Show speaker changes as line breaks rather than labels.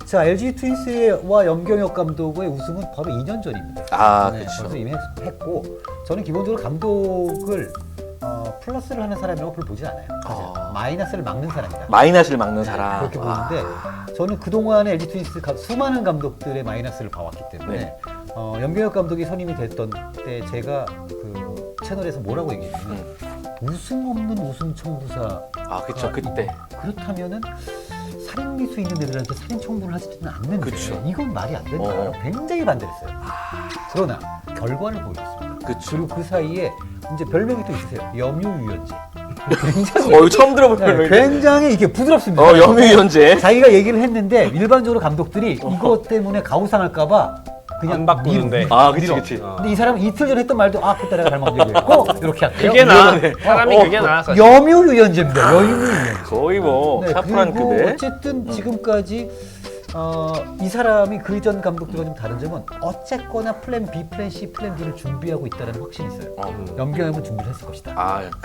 자, LG 트윈스와 염경엽 감독의 우승은 바로 2년 전입니다.
아,
네,
그렇죠.
벌써 이미 했고, 저는 기본적으로 감독을 플러스를 하는 사람이라고 별로 보지 않아요. 마이너스를 막는 사람이다.
마이너스를 막는 사람.
그렇게 보는데 저는 그동안에 LG 트윈스 수많은 감독들의 마이너스를 봐왔기 때문에
네.
염경엽 감독이 선임이 됐던 때 제가 그 채널에서 뭐라고 얘기했냐면 우승 없는 우승 청부사.
아, 그쵸. 그때.
그렇다면은 살인미수 있는 애들한테 살인 청부를 하지는 않는데
그쵸.
이건 말이 안 된다. 굉장히 반대했어요. 그러나 결과를 보여줬습니다.
그쵸.
그리고 그 사이에 이제 별명이 또 있으세요. 염유유연제.
이거 처음 들어본
네,
별명인데.
굉장히 이게 부드럽습니다.
염유연제.
자기가 얘기를 했는데 일반적으로 감독들이 이것 때문에 가오상할까봐 그냥
안 바꾸는데.
밀어.
아, 그치,
밀어.
그치.
근데 이 사람은 이틀 전에 했던 말도 그때 내가 잘못 얘기했고 이렇게 할게요.
그게 나.
위험하네.
사람이 그게 나. 사실.
염유유연제입니다. 염유유연제.
거의 뭐,
네,
샤프란
그리고
급에.
어쨌든 지금까지 이 사람이 그 이전 감독들과 좀 다른 점은 어쨌거나 플랜 B, 플랜 C, 플랜 D를 준비하고 있다는 확신이 있어요. 염경엽은 준비를 했을 것이다.
아,